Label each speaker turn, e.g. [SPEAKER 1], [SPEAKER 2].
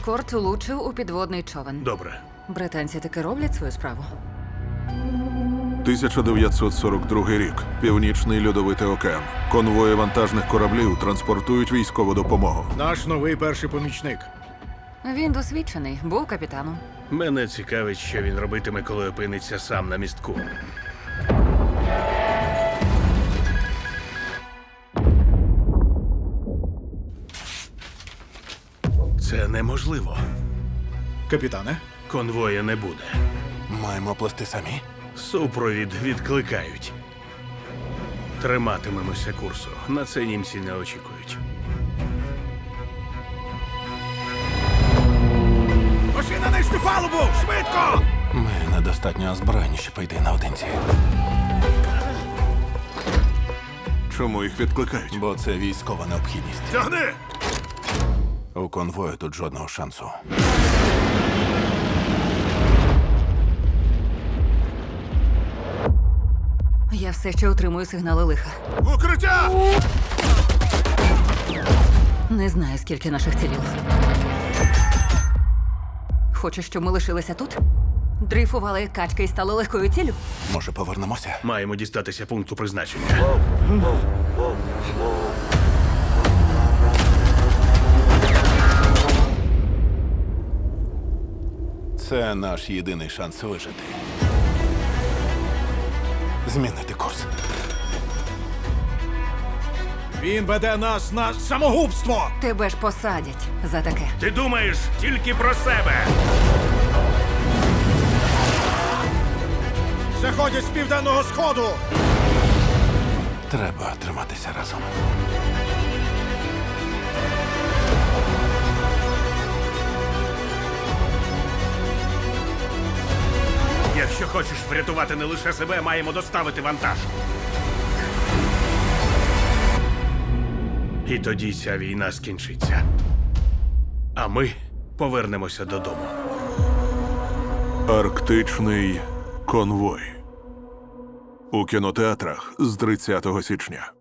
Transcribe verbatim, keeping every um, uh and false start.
[SPEAKER 1] ескорт влучив у підводний човен.
[SPEAKER 2] Добре.
[SPEAKER 1] Британці таки роблять свою справу.
[SPEAKER 3] тисяча дев'ятсот сорок другий рік. Північний льодовитий океан. Конвої вантажних кораблів транспортують військову допомогу.
[SPEAKER 2] Наш новий перший помічник.
[SPEAKER 1] Він досвідчений, був капітаном.
[SPEAKER 4] Мене цікавить, що він робитиме, коли опиниться сам на містку. Це неможливо.
[SPEAKER 2] Капітане?
[SPEAKER 4] Конвоя не буде.
[SPEAKER 3] Маємо плести самі.
[SPEAKER 4] Супровід відкликають. Триматимемося курсу. На це німці не очікують.
[SPEAKER 2] Пошли на нижню палубу! Швидко!
[SPEAKER 3] Ми недостатньо озброєні, щоб йти наодинці. Чому їх відкликають? Бо це військова необхідність.
[SPEAKER 2] Тягни!
[SPEAKER 3] У конвою тут жодного шансу.
[SPEAKER 1] Я все ще отримую сигнали лиха.
[SPEAKER 2] Укриття!
[SPEAKER 1] Не знаю, скільки наших цілів. Хочеш, щоб ми лишилися тут? Дрейфували як качки і стали легкою ціллю?
[SPEAKER 3] Може, повернемося?
[SPEAKER 4] Маємо дістатися пункту призначення.
[SPEAKER 3] Це наш єдиний шанс вижити. Змінити курс.
[SPEAKER 2] Він веде нас на самогубство!
[SPEAKER 1] Тебе ж посадять за таке.
[SPEAKER 4] Ти думаєш тільки про себе.
[SPEAKER 2] Заходять з південного сходу!
[SPEAKER 3] Треба триматися разом.
[SPEAKER 4] Якщо хочеш врятувати не лише себе, маємо доставити вантаж. І тоді ця війна скінчиться. А ми повернемося додому.
[SPEAKER 3] Арктичний конвой. У кінотеатрах з тридцятого січня.